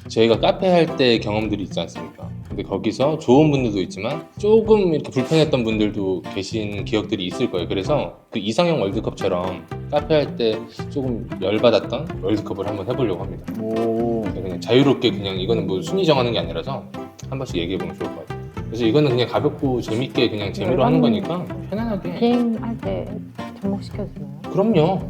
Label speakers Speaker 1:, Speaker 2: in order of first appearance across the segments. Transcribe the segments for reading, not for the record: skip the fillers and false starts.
Speaker 1: 저희가 카페 할 때 경험들이 있지 않습니까? 근데 거기서 좋은 분들도 있지만 조금 이렇게 불편했던 분들도 계신 기억들이 있을 거예요. 그래서 그 이상형 월드컵처럼 카페 할 때 조금 열받았던 월드컵을 한번 해보려고 합니다.
Speaker 2: 오.
Speaker 1: 그냥 자유롭게 그냥 이거는 뭐 순위 정하는 게 아니라서 한 번씩 얘기해보면 좋을 것 같아요. 그래서 이거는 그냥 가볍고 재밌게 그냥 재미로 하는 거니까 편안하게.
Speaker 3: 비행할 때 접목시켜주나요?
Speaker 1: 그럼요.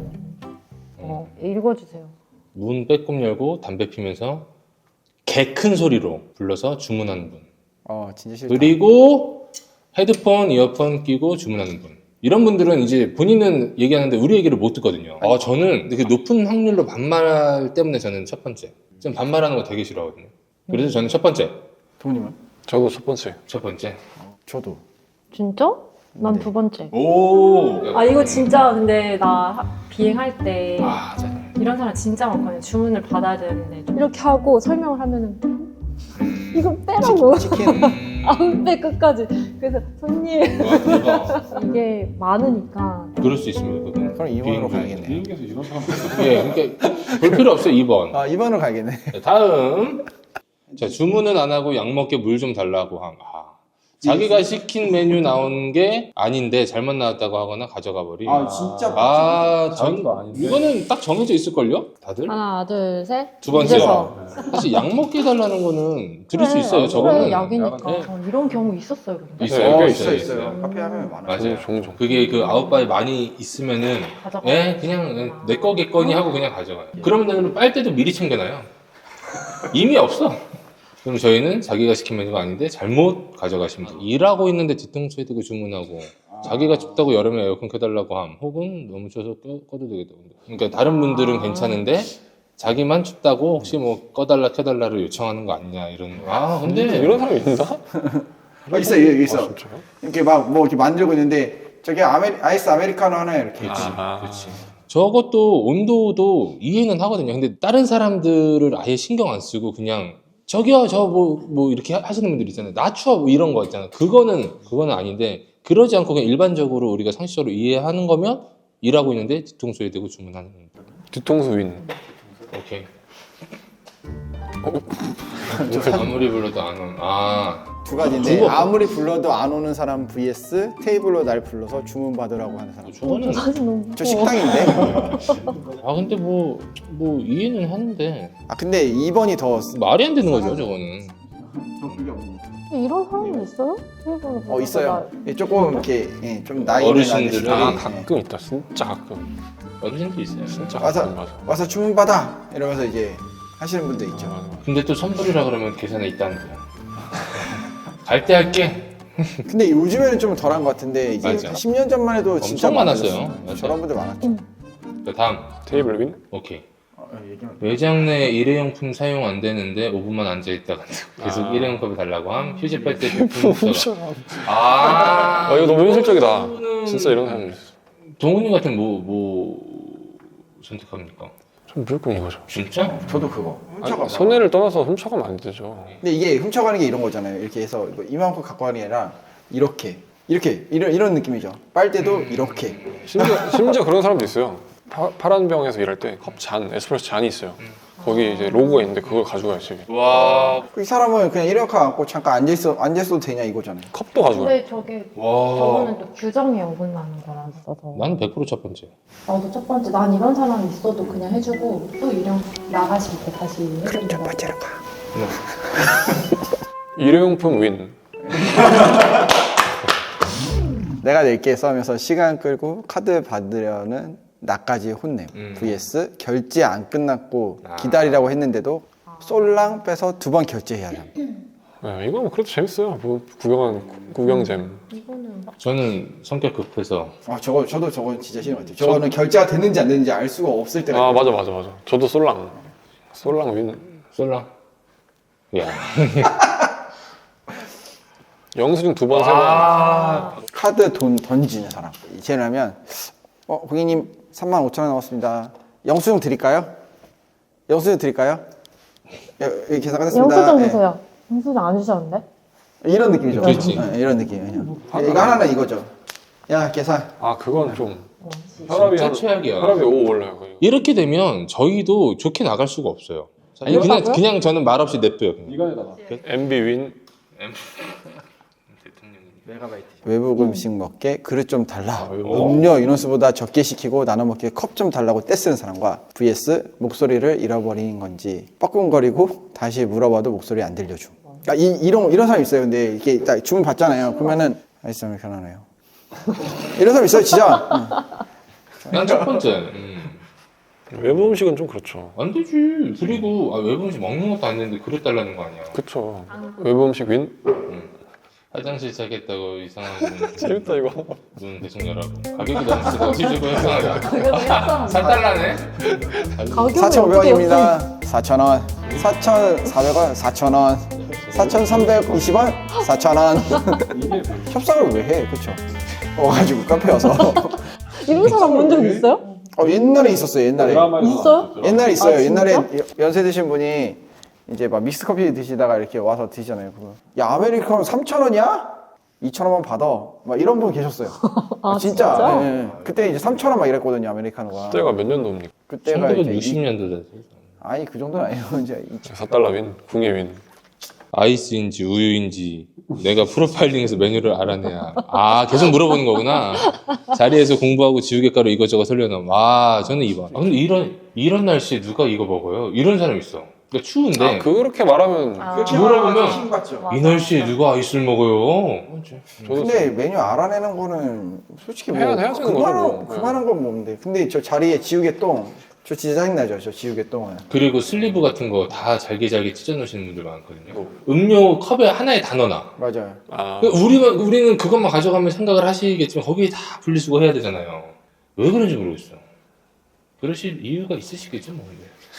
Speaker 3: 읽어주세요.
Speaker 1: 문 빼꼼 열고 담배 피면서 개 큰 소리로 불러서 주문하는 분.
Speaker 2: 진짜 싫다.
Speaker 1: 그리고 헤드폰, 이어폰 끼고 주문하는 분. 이런 분들은 이제 본인은 얘기하는데 우리 얘기를 못 듣거든요. 저는 그 높은 확률로 반말 때문에 저는 첫 번째. 좀 반말하는 거 되게 싫어하거든요. 그래서 저는 첫 번째.
Speaker 2: 동님은?
Speaker 4: 저도 첫 번째.
Speaker 1: 첫 번째.
Speaker 2: 저도.
Speaker 3: 진짜? 난
Speaker 2: 네.
Speaker 3: 두 번째.
Speaker 2: 오.
Speaker 3: 아 이거 진짜 근데 나 비행할 때
Speaker 1: 잘.
Speaker 3: 이런 사람 진짜 많거든요. 주문을 받아야 되는데 이렇게 하고 설명을 하면은 이거 빼라고
Speaker 2: 치킨.
Speaker 3: 안 빼 끝까지. 그래서 손님
Speaker 1: 와, 대박.
Speaker 3: 이게 많으니까
Speaker 1: 그럴 수 있습니다. 그건.
Speaker 2: 그럼 2번으로 가야겠네.
Speaker 4: 비행기에서 이런 사람
Speaker 1: 예, 그러니까 볼 필요 없어요. 2번.
Speaker 2: 2번으로 가야겠네.
Speaker 1: 자, 다음. 자, 주문은 안 하고 약 먹게 물 좀 달라고 함. 자기가 시킨 메뉴 나온 게 아닌데 잘못 나왔다고 하거나 가져가 버림.
Speaker 2: 진짜.
Speaker 4: 자기가 아닌데.
Speaker 1: 이거는 딱 정해져 있을걸요? 다들?
Speaker 3: 하나 둘 셋.
Speaker 1: 두 번째.
Speaker 3: 이래서.
Speaker 1: 사실 약 먹게 해달라는 거는 들을 수 있어요.
Speaker 3: 그래,
Speaker 1: 저거는.
Speaker 3: 약이니까.
Speaker 1: 네.
Speaker 3: 이런 경우 있었어요. 근데.
Speaker 1: 있어요.
Speaker 2: 있어요. 카페 하면 많아.
Speaker 1: 맞아요.
Speaker 4: 종종.
Speaker 1: 그게 그 아웃바에 많이 있으면은
Speaker 3: 가져가.
Speaker 1: 그냥 내 거겠거니 하고 그냥 가져가요. 그러면 빨대도 미리 챙겨놔요. 이미 없어. 그럼 저희는 자기가 시킨 메뉴가 아닌데 잘못 가져가신 분. 일하고 있는데 뒤통수에 대고 주문하고 자기가 춥다고 여름에 에어컨 켜달라고 함. 혹은 너무 추워서 꺼도 되겠다. 그러니까 다른 분들은 괜찮은데 자기만 춥다고 혹시 뭐 꺼달라 켜달라를 요청하는 거 아니냐 이런. 근데
Speaker 4: 이런 사람이 있나?
Speaker 2: 있어.
Speaker 4: 진짜요?
Speaker 2: 이렇게 막 뭐 이렇게 만들고 있는데 저기 아이스 아메리카노 하나 이렇게.
Speaker 1: 그렇지. 저것도 온도도 이해는 하거든요. 근데 다른 사람들을 아예 신경 안 쓰고 그냥 저기요 저 뭐 이렇게 하시는 분들 있잖아요. 나 추워 뭐 이런 거 있잖아요. 그거는 아닌데 그러지 않고 그냥 일반적으로 우리가 상식적으로 이해하는 거면 일하고 있는데 뒤통수에 대고 주문하는 거.
Speaker 4: 뒤통수 윈.
Speaker 1: 오케이. 아무리 불러도 안 오는.
Speaker 2: 두 가지인데
Speaker 1: 그거.
Speaker 2: 아무리 불러도 안 오는 사람 vs 테이블로 날 불러서 주문 받으라고 하는 사람.
Speaker 1: 저거는
Speaker 3: 사실 너무
Speaker 2: 저
Speaker 3: 무서워.
Speaker 2: 식당인데.
Speaker 1: 근데 뭐 이해는 하는데
Speaker 2: 근데 2번이 더.
Speaker 1: 말이 안 되는 거죠 저거는.
Speaker 3: 이런 사람이 있어요? 테이블로
Speaker 2: 있어요. 조금 이렇게 좀 나이 있는
Speaker 1: 어르신들은
Speaker 2: 아저씨들이
Speaker 4: 가끔 있다. 진짜 가끔.
Speaker 1: 어르신도 있어요.
Speaker 4: 진짜
Speaker 2: 와서
Speaker 4: 가끔 맞아.
Speaker 2: 와서 주문 받아 이러면서 이제 하시는 분도 있죠.
Speaker 1: 근데 또 선불이라 그러면 계산에 있다는 거야. 갈 때 할게.
Speaker 2: 근데 요즘에는 좀 덜한 것 같은데 이제
Speaker 1: 맞아.
Speaker 2: 10년 전만 해도 진짜
Speaker 1: 엄청 많았어요.
Speaker 2: 많았어요.
Speaker 1: 맞아요.
Speaker 2: 저런 분들 많았죠.
Speaker 1: 자, 다음.
Speaker 4: 테이블 윈?
Speaker 1: 오케이. 매장 내 일회용품 사용 안 되는데 5분만 앉아 있다가 계속 일회용컵을 달라고 함. 휴지 빨대 제품 묻혀라.
Speaker 4: 이거 너무 현실적이다.
Speaker 1: 이거는
Speaker 4: 진짜 이런 사람이 있어.
Speaker 1: 동훈이 같은 뭐 선택합니까?
Speaker 4: 전 무조건 이거죠.
Speaker 1: 진짜?
Speaker 2: 저도 그거.
Speaker 4: 아니, 손해를 떠나서 훔쳐가면 안 되죠.
Speaker 2: 근데 이게 훔쳐가는 게 이런 거잖아요. 이렇게 해서 이만큼 갖고 가는 게 아니라 이렇게 이런 느낌이죠. 빨대도 이렇게.
Speaker 4: 심지어 그런 사람도 있어요. 파란 병에서 일할 때 컵 잔, 에스프레소 잔이 있어요. 거기 이제 로고가 있는데 그걸 가져가야지.
Speaker 1: 와.
Speaker 2: 이 사람은 그냥 이렇게 갖고 잠깐 앉아있어도 되냐 이거잖아요.
Speaker 4: 컵도 가져가요.
Speaker 3: 근데
Speaker 1: 와.
Speaker 3: 저거는 또 규정에 어긋나는 거라서
Speaker 1: 나는 100%첫 번째.
Speaker 3: 나도 첫 번째 난 이런 사람이 있어도 그냥 해주고 또 일용 나가실 때 다시 해주는 거.
Speaker 2: 번째로 가.
Speaker 4: 일회용품 윈.
Speaker 2: 내가 낼게 싸우면서 시간 끌고 카드 받으려는 나까지 혼냄. vs 결제 안 끝났고 기다리라고 했는데도 솔랑 빼서 2번 결제해야 함.
Speaker 4: 네, 이거 뭐 그래도 재밌어요. 뭐 구경잼.
Speaker 3: 이거는 막
Speaker 1: 저는 성격 급해서
Speaker 2: 저도 진짜 싫은 것 같아요. 저거는 결제가 됐는지 안 됐는지 알 수가 없을 때가 있거든요.
Speaker 4: 맞아. 저도 솔랑 윈.
Speaker 1: 쏠라. 야.
Speaker 4: 영수증 2번, 3번.
Speaker 2: 카드 돈 던지는 사람. 이체하면 고객님 35,000원 나왔습니다. 영수증 드릴까요? 여기 계산 끝났습니다.
Speaker 3: 영수증
Speaker 2: 예.
Speaker 3: 주세요. 영수증 안 주셨는데?
Speaker 2: 이런 느낌이죠.
Speaker 1: 그렇지.
Speaker 2: 이런 느낌이에요. 이거 하나는 이거죠. 야 계산.
Speaker 4: 그건 좀
Speaker 1: 진짜 최악이야.
Speaker 4: 혈압이 5 올라요. 거의.
Speaker 1: 이렇게 되면 저희도 좋게 나갈 수가 없어요. 아니 그냥
Speaker 3: 그렇다고요?
Speaker 1: 그냥 저는 말 없이 냅둬요. 그냥.
Speaker 4: 이간에다가 MB 윈.
Speaker 2: 외국 음식 먹게 그릇 좀 달라.
Speaker 4: 외국.
Speaker 2: 음료 인원수보다 적게 시키고 나눠 먹게 컵 좀 달라고 떼쓰는 사람과 vs 목소리를 잃어버린 건지 뻐끔거리고 다시 물어봐도 목소리 안 들려줌. 그러니까 이런 사람 있어요. 근데 이렇게 딱 주문 받잖아요. 그러면은 아이스 아메리카노네요. 이런 사람 있어요, 진짜.
Speaker 1: 난 첫 번째.
Speaker 4: 외부 음식은 좀 그렇죠.
Speaker 1: 안 되지. 그리고 외부 음식 먹는 것도 안 되는데 그릇 달라는 거 아니야.
Speaker 4: 그쵸. 외부 음식 윈.
Speaker 1: 화장실 자겠다고 이상한
Speaker 4: 재밌다 이거.
Speaker 1: 눈 대충 열하고 가격이 너무 쓰다. 집주고 협상하자.
Speaker 3: 가격은 협상.
Speaker 1: 4달러네.
Speaker 3: 가격은
Speaker 2: 4,500원입니다. 4,000원. 4,400원. 4,000원. 4,320원. 4,000원. 협상을 왜 해? 그쵸? 와가지고 카페 와서.
Speaker 3: 이런 사람 본 적 있어요?
Speaker 2: 옛날에 있었어요. 옛날에.
Speaker 3: 있어요?
Speaker 2: 옛날에 있어요.
Speaker 3: 아,
Speaker 2: 옛날에
Speaker 3: 진짜?
Speaker 2: 연세 드신 분이 이제 막 믹스 커피 드시다가 이렇게 와서 드시잖아요. 그거. 야, 아메리카노 3,000원이야? 2,000원만 받아. 막 이런 분 계셨어요.
Speaker 3: 아,
Speaker 2: 진짜? 예, 예. 그때 이제 3,000원 막 이랬거든요, 아메리카노가.
Speaker 4: 그때가 몇 년도입니까?
Speaker 2: 그때가 이제
Speaker 1: 1960년도다.
Speaker 2: 아니, 그 정도는 아니에요. 이제
Speaker 4: 4달러 윈. 궁예 윈.
Speaker 1: 아이스인지 우유인지 내가 프로파일링에서 메뉴를 알아내야. 계속 물어보는 거구나. 자리에서 공부하고 지우개가루 이것저것 설려놓으면 저는 2번. 근데 이런 날씨에 누가 이거 먹어요? 이런 사람 있어. 그러니까 추운데
Speaker 4: 그렇게 말하면
Speaker 1: 물어보면
Speaker 2: 맞죠.
Speaker 1: 이 날씨에 누가 아이스를 먹어요?
Speaker 4: 저도
Speaker 2: 근데 메뉴 알아내는 거는 솔직히 뭐
Speaker 4: 해야 되는 거죠, 뭐.
Speaker 2: 그만한 건 뭔데. 근데 저 자리에 지우개똥 저 진짜 짜증나죠, 저 지우개똥은.
Speaker 1: 그리고 슬리브 같은 거 다 잘게 찢어 놓으시는 분들 많거든요. 음료 컵에 하나에 다 넣어놔.
Speaker 2: 맞아요.
Speaker 1: 그러니까 우리는 그것만 가져가면 생각을 하시겠지만 거기에 다 분리수거 해야 되잖아요. 왜 그런지 모르겠어. 그러실 이유가 있으시겠죠, 뭐.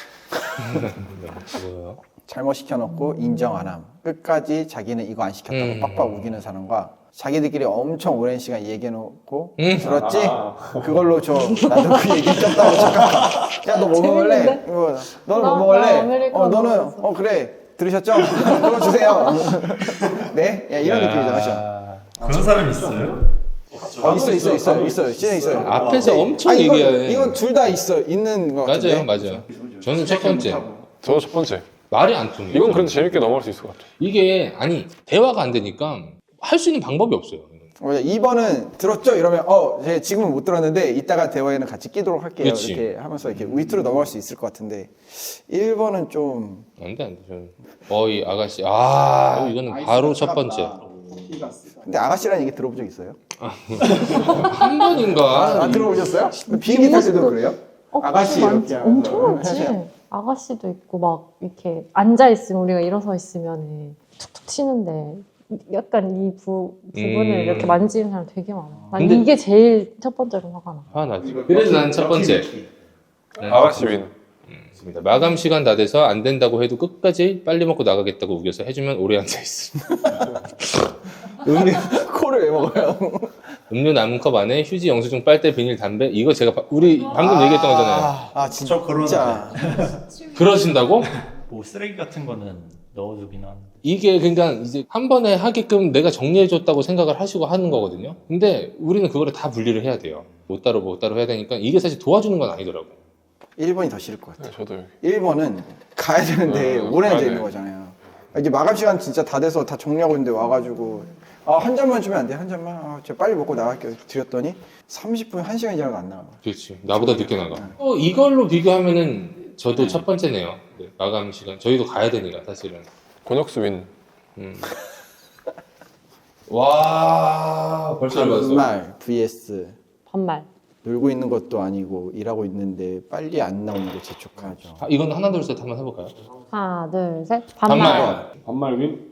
Speaker 1: 뭐요?
Speaker 2: 잘못 시켜놓고 인정 안 함. 끝까지 자기는 이거 안 시켰다고 빡빡 우기는 사람과 자기들끼리 엄청 오랜 시간 얘기해놓고 들었지? 그걸로 나도 그 얘기 쪘다고 착각해. 야, 너 뭐 먹을래?
Speaker 3: 재밌는데?
Speaker 2: 너는
Speaker 3: 나
Speaker 2: 뭐 먹을래?
Speaker 3: 아메리카노
Speaker 2: 너는
Speaker 3: 먹었어.
Speaker 2: 그래 들으셨죠? 그거 주세요. 네? 야, 이런 느낌이잖아.
Speaker 5: 그런 사람 있어요?
Speaker 2: 있어요. 진짜 있어요.
Speaker 1: 앞에서 엄청
Speaker 2: 아니,
Speaker 1: 얘기해.
Speaker 2: 이건 둘 다 있는 거 같은데.
Speaker 1: 맞아요. 저는 첫 번째.
Speaker 4: 저도 첫 번째.
Speaker 1: 말이 안 통해요.
Speaker 4: 이건 그래도 재밌게 넘어갈 수 있을 것 같아요.
Speaker 1: 이게 대화가 안 되니까 할 수 있는 방법이 없어요.
Speaker 2: 맞아. 2번은 들었죠? 이러면 제가 지금은 못 들었는데 이따가 대화에는 같이 끼도록 할게요.
Speaker 1: 그치.
Speaker 2: 이렇게 하면서 이렇게 위트로 넘어갈 수 있을 것 같은데 1번은 좀
Speaker 1: 안 돼. 저는 이 아가씨 이거는 바로 첫 번째.
Speaker 2: 근데 아가씨라는 얘기 들어본 적 있어요?
Speaker 1: 한 번인가?
Speaker 2: 안 들어보셨어요? 비행기 탈 때도 그래요? 아가씨 이렇게
Speaker 3: 엄청 많지. 아가씨도 있고 막 이렇게 앉아 있으면 우리가 일어서 있으면 툭툭 치는데 약간 이 부분을 이렇게 만지는 사람 되게 많아. 난
Speaker 1: 근데-
Speaker 3: 이게 제일 첫 번째로 화가 나.
Speaker 1: 화나지. 그래서 난 첫 번째.
Speaker 4: 아가씨 윈.
Speaker 1: 있습니다. 마감 시간 다 돼서 안 된다고 해도 끝까지 빨리 먹고 나가겠다고 우겨서 해주면 오래 앉아 있어.
Speaker 2: 코를 왜 먹어요?
Speaker 1: 음료 남은 컵 안에 휴지, 영수증, 빨대, 비닐, 담배. 이거 제가 우리 방금 얘기했던 거잖아요.
Speaker 2: 진짜.
Speaker 5: 저 그러는데
Speaker 1: 그러신다고?
Speaker 5: 뭐 쓰레기 같은 거는 넣어두긴 하는데
Speaker 1: 이게 그러니까 이제 한 번에 하게끔 내가 정리해줬다고 생각을 하시고 하는 거거든요. 근데 우리는 그거를 다 분리를 해야 돼요. 못 따로 해야 되니까 이게 사실 도와주는 건 아니더라고.
Speaker 2: 1번이 더 싫을 것 같아요.
Speaker 4: 네, 저도 여기.
Speaker 2: 1번은 가야 되는데 오래 앉아 있는
Speaker 4: 네.
Speaker 2: 거잖아요. 이제 마감 시간 진짜 다 돼서 다 정리하고 있는데 와가지고 한 잔만 주면 안 돼? 한 잔만? 제가 빨리 먹고 나갈게요. 드렸더니 30분, 1시간이 지나도 안 나와요.
Speaker 1: 그렇지. 나보다 늦게 나가. 이걸로 비교하면은 저도 첫 번째네요. 네, 마감 시간. 저희도 가야 되니까 사실은.
Speaker 4: 권혁수 윈.
Speaker 1: 와 벌써 알았어.
Speaker 2: 반말 vs
Speaker 3: 반말.
Speaker 2: 놀고 있는 것도 아니고 일하고 있는데 빨리 안 나오는 게 재촉하죠.
Speaker 1: 이건 하나 둘 셋 한번 해볼까요?
Speaker 3: 하나, 둘, 셋. 반말.
Speaker 4: 반말 윈.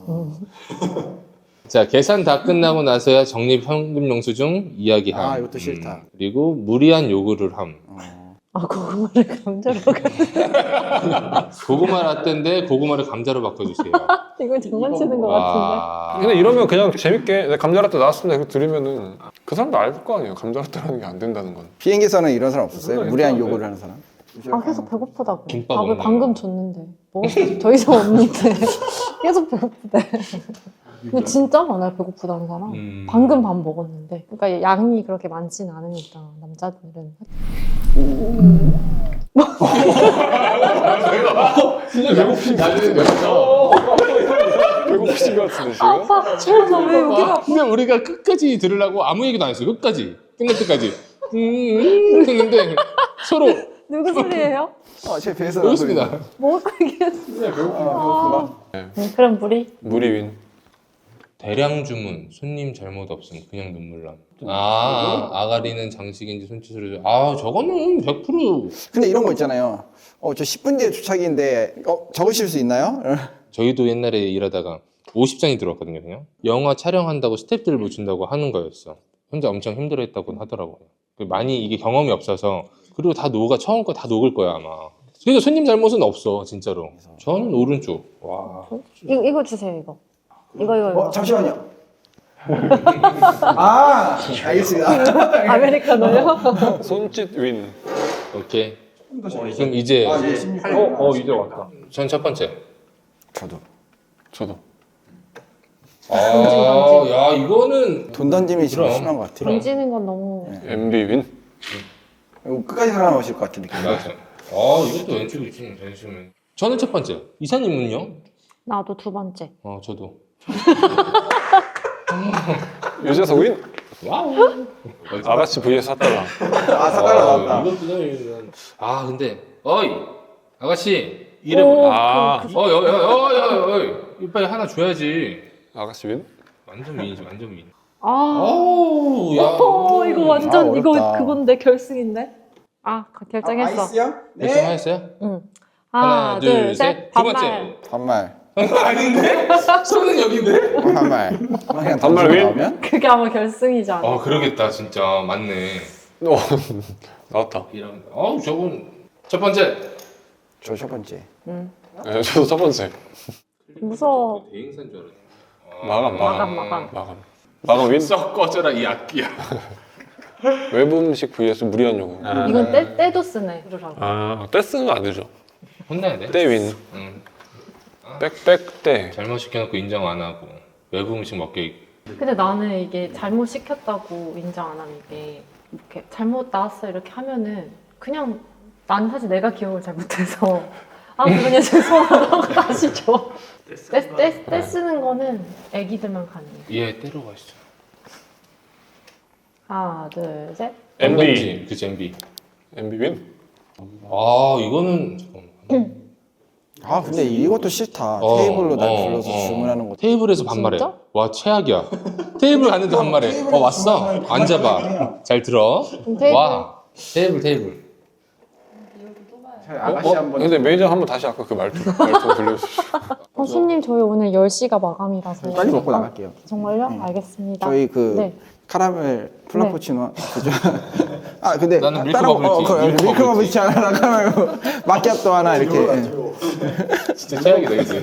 Speaker 1: 자 계산 다 끝나고 나서야 적립 현금 영수증 이야기함.
Speaker 2: 이것도 싫다.
Speaker 1: 그리고 무리한 요구를 함.
Speaker 3: 고구마를 감자로
Speaker 1: 고구마 라떼인데 고구마를 감자로 바꿔주세요.
Speaker 3: 이건 장난치는 것 같은데.
Speaker 1: 와.
Speaker 4: 근데 이러면 그냥 재밌게 감자라떼 나왔습니다. 이거 들으면은 그 사람도 알 거 아니에요. 감자라떼라는 게 안 된다는 건.
Speaker 2: 비행기에서는 이런 사람 없었어요? 무리한 요구를 하는 사람?
Speaker 3: 계속 배고프다고.
Speaker 1: 김밥
Speaker 3: 밥을
Speaker 1: 먹나요?
Speaker 3: 방금 줬는데 먹을 게 더 이상 없는데 계속 배고프대. 근데 진짜 많아요, 배고프다는 사람. 방금 밥 먹었는데. 그러니까 양이 그렇게 많진 않으니까, 남자들은.
Speaker 1: 진짜 배고프신 거
Speaker 4: 배고프신 것 같은데 지금?
Speaker 3: 아빠, 나왜 여기가.
Speaker 1: 근데 우리가 끝까지 들으려고 아무 얘기도 안 했어요. 끝까지. 끝날 때까지. 했는데 서로
Speaker 3: 누구 소리예요?
Speaker 2: 제 배에서
Speaker 1: 그렇습니다.
Speaker 3: 먹고 얘기했어.
Speaker 2: 배고프다.
Speaker 3: 그럼 물이?
Speaker 4: 물이 윈.
Speaker 1: 대량 주문, 손님 잘못 없음, 그냥 눈물남. 아가리는 장식인지 손짓으로. 저거는 100%.
Speaker 2: 근데 이런 거 있잖아요. 저 10분 뒤에 도착인데 적으실 수 있나요?
Speaker 1: 저희도 옛날에 일하다가 50장이 들어왔거든요, 그냥. 영화 촬영한다고 스태프들 붙인다고 하는 거였어. 혼자 엄청 힘들어했다고 하더라고요. 많이 이게 경험이 없어서. 그리고 다 처음 거 다 녹을 거야, 아마. 그래서 손님 잘못은 없어, 진짜로. 저는 오른쪽. 와.
Speaker 3: 이거 주세요, 이거. 이거.
Speaker 2: 잠시만요. 알겠습니다.
Speaker 3: 아메리카노요?
Speaker 4: 손짓 윈.
Speaker 1: 오케이. 그럼 이제.
Speaker 4: 이제 왔다.
Speaker 1: 전 첫 번째.
Speaker 2: 저도.
Speaker 1: 야, 이거는.
Speaker 2: 돈 던짐이 좀
Speaker 1: 그럼.
Speaker 2: 심한 것 같아요.
Speaker 3: 던지는 건 너무.
Speaker 4: MB 윈.
Speaker 2: 이거 끝까지 살아남으실 것 같은 느낌.
Speaker 1: 맞아. 이것도 왼쪽이지. 잠시만. 저는 첫 번째. 이사님은요?
Speaker 3: 나도 두 번째.
Speaker 1: 저도.
Speaker 4: 유재석 윈.
Speaker 1: 와우.
Speaker 4: 아가씨 vs 핫다가.
Speaker 2: 사과가 나왔다.
Speaker 1: 근데, 어이! 아가씨, 이름. 빨리 하나 줘야지.
Speaker 4: 아가씨 윈.
Speaker 1: 완전 미인이지, 완전 미인.
Speaker 3: 이거 완전, 이거
Speaker 2: 어렵다.
Speaker 3: 그건데, 결승인데? 결정했어.
Speaker 2: 아이스요?
Speaker 1: 결정하셨어요?
Speaker 3: 응.
Speaker 1: 하나, 둘, 셋. 두 번째.
Speaker 2: 반말.
Speaker 1: 아닌데? 손은 여긴데?
Speaker 2: 반말. 그냥
Speaker 4: 반말 윈?
Speaker 2: 나오면?
Speaker 3: 그게 아마 결승이잖아.
Speaker 1: 그러겠다, 진짜. 맞네.
Speaker 4: 나왔다.
Speaker 1: 이런. 저건. 첫 번째.
Speaker 2: 저 첫 번째.
Speaker 3: 응.
Speaker 4: 네, 저도 첫 번째.
Speaker 3: 무서워.
Speaker 1: 대행사인 줄 알았네.
Speaker 4: 마감 윈.
Speaker 1: 썩 꺼져라, 이 악기야.
Speaker 4: 외부 음식 vs 무리한 요구.
Speaker 3: 이건 때도 쓰네.
Speaker 4: 때 쓰는 거 안 되죠.
Speaker 1: 혼나야 돼?
Speaker 4: 때 윈.
Speaker 1: 응.
Speaker 4: 빽빽 때.
Speaker 1: 잘못 시켜놓고 인정 안 하고. 외부 음식 먹게.
Speaker 3: 근데 나는 이게 잘못 시켰다고 인정 안 하는 게 이렇게 잘못 나왔어 이렇게 하면은 그냥 난 사실 내가 기억을 잘 못해서 그냥 죄송하다고 다시 줘. 때 쓰는 거는 애기들만 가능해.
Speaker 1: 때로 가시죠.
Speaker 3: 하나, 둘, 셋.
Speaker 4: MB.
Speaker 1: 그치, MB.
Speaker 4: MB 윈.
Speaker 1: 이거는. 잠깐만.
Speaker 2: 근데 이것도 싫다. 테이블로 날 불러서 주문하는 거.
Speaker 1: 테이블에서 반말해.
Speaker 3: 진짜?
Speaker 1: 와, 최악이야. 테이블 갔는데 반말해. 왔어? 앉아봐. 잘 들어.
Speaker 3: 테이블.
Speaker 1: 와, 테이블.
Speaker 2: 아가씨 한번.
Speaker 4: 근데 매니저 한번 다시 아까 그 말투 들려주시죠.
Speaker 3: 손님 저희 오늘 10시가 마감이라서.
Speaker 2: 빨리 먹고 나갈게요.
Speaker 3: 정말요? 알겠습니다.
Speaker 2: 저희
Speaker 3: 네.
Speaker 2: 카라멜 플라푸치노 그죠? 근데
Speaker 1: 나는 밀크
Speaker 2: 따로
Speaker 1: 버블티.
Speaker 2: 밀크 버블티 하나 카라멜 마키아토 하나 이렇게.
Speaker 1: 진짜 최악이다, 이제.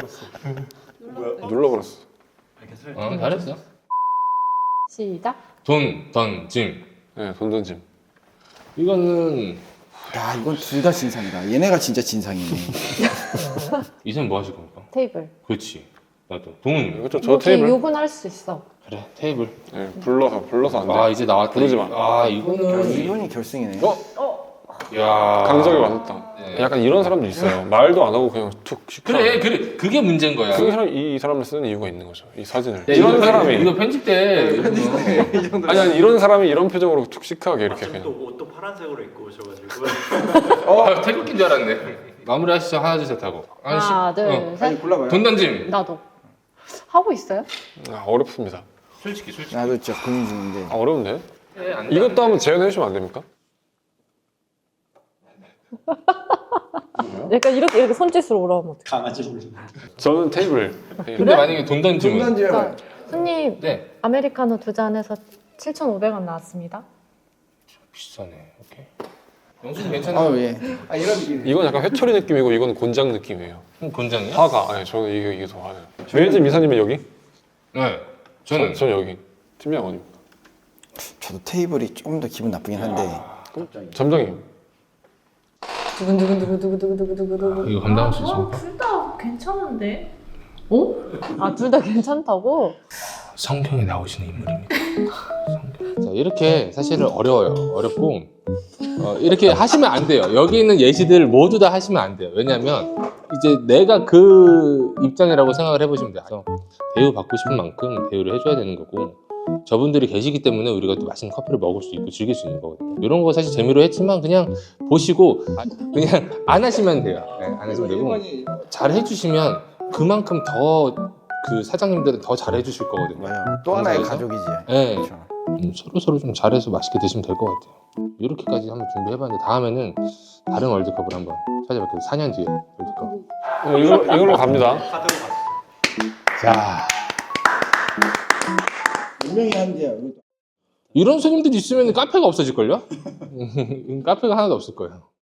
Speaker 4: 눌러버렸어.
Speaker 1: 잘했어.
Speaker 3: 시작.
Speaker 1: 돈, 던짐.
Speaker 4: 네, 돈 던짐.
Speaker 1: 이거는.
Speaker 2: 야, 이건 둘 다 진상이다. 얘네가 진짜 진상이네.
Speaker 1: 이사님 뭐 하실 겁니까?
Speaker 3: 테이블.
Speaker 1: 그렇지. 나도. 동훈님.
Speaker 4: 이것도 저
Speaker 3: 이렇게
Speaker 4: 테이블.
Speaker 3: 욕은 할 수 있어.
Speaker 1: 그래, 테이블.
Speaker 4: 네, 불러서 안 돼.
Speaker 1: 이제 나왔다.
Speaker 4: 부르지 마.
Speaker 1: 이거는.
Speaker 2: 이분이 결승이네.
Speaker 1: 야.
Speaker 4: 강적이 맞았다.
Speaker 1: 네.
Speaker 4: 약간 이런 사람도 있어요. 말도 안 하고 그냥 툭 시켜.
Speaker 1: 그래. 그게 문제인 거야.
Speaker 4: 이 사람을 쓰는 이유가 있는 거죠. 이 사진을.
Speaker 1: 야,
Speaker 4: 이런
Speaker 1: 이거
Speaker 4: 사람이.
Speaker 1: 이거 편집돼.
Speaker 4: 아니 이런 사람이 이런 표정으로 툭 시크하게 이렇게
Speaker 5: 또
Speaker 4: 그냥.
Speaker 5: 옷도 파란색으로 입고 오셔가지고
Speaker 1: 태극기인 줄 알았네. 마무리 하시죠. 하나, 둘, 셋 하고.
Speaker 3: 하나, 둘, 셋.
Speaker 2: 골라봐요.
Speaker 1: 돈 던짐.
Speaker 3: 나도. 하고 있어요?
Speaker 4: 어렵습니다.
Speaker 1: 솔직히.
Speaker 2: 나도 진짜 고민 중인데.
Speaker 4: 어려운데?
Speaker 1: 안 돼,
Speaker 4: 이것도 한번 재현해 주시면 안 됩니까?
Speaker 3: 약간 이렇게 손짓으로 오라면 어떡해.
Speaker 5: 강아지를
Speaker 4: 저는 테이블.
Speaker 1: 근데 만약에 돈 던짐은.
Speaker 2: 던지면
Speaker 3: 손님,
Speaker 1: 네.
Speaker 3: 아메리카노 2잔에서 7,500원 나왔습니다.
Speaker 1: 비싸네. 오케이. 영수증 괜찮아.
Speaker 2: 예. 이런 느낌.
Speaker 4: 이건 약간 회초리 느낌이고 이건 곤장 느낌이에요.
Speaker 1: 곤장이야?
Speaker 4: 화가. 아니 저는 이게 더 화나요. 매니저 미사님은 여기?
Speaker 1: 네. 저는.
Speaker 4: 전 여기. 팀장 어디?
Speaker 2: 저도 테이블이 조금 더 기분 나쁘긴 한데.
Speaker 4: 점장님.
Speaker 3: 두근두근두근두근두근두근두근.
Speaker 1: 이거 감당할 수 있어.
Speaker 3: 둘다 괜찮은데? 어? 아, 둘 다 괜찮다고?
Speaker 1: 성경에 나오시는 인물입니다. 성경. 자, 이렇게 사실은 어려워요. 어렵고 이렇게 하시면 안 돼요. 여기 있는 예시들 모두 다 하시면 안 돼요. 왜냐하면 이제 내가 그 입장이라고 생각을 해보시면 돼요. 그래서 대우 받고 싶은 만큼 대우를 해줘야 되는 거고 저분들이 계시기 때문에 우리가 또 맛있는 커피를 먹을 수 있고 즐길 수 있는 거거든요. 이런 거 사실 재미로 했지만 그냥 보시고 그냥 안 하시면 돼요. 네, 안 하시면 되고 잘 해주시면 그만큼 더 그 사장님들은 더 잘 해주실 거거든요.
Speaker 2: 맞아요. 또 하나의
Speaker 1: 회사에서.
Speaker 2: 가족이지.
Speaker 1: 네.
Speaker 2: 그렇죠.
Speaker 1: 서로 좀 잘해서 맛있게 드시면 될 것 같아요. 이렇게까지 한번 준비해봤는데 다음에는 다른 월드컵을 한번 찾아볼게요. 4년 뒤에 월드컵.
Speaker 4: 이걸로 갑니다.
Speaker 5: 카드로 가시죠.
Speaker 1: 자,
Speaker 2: 분명히 한대요.
Speaker 1: 이런 손님들이 있으면 카페가 없어질걸요? 카페가 하나도 없을 거예요.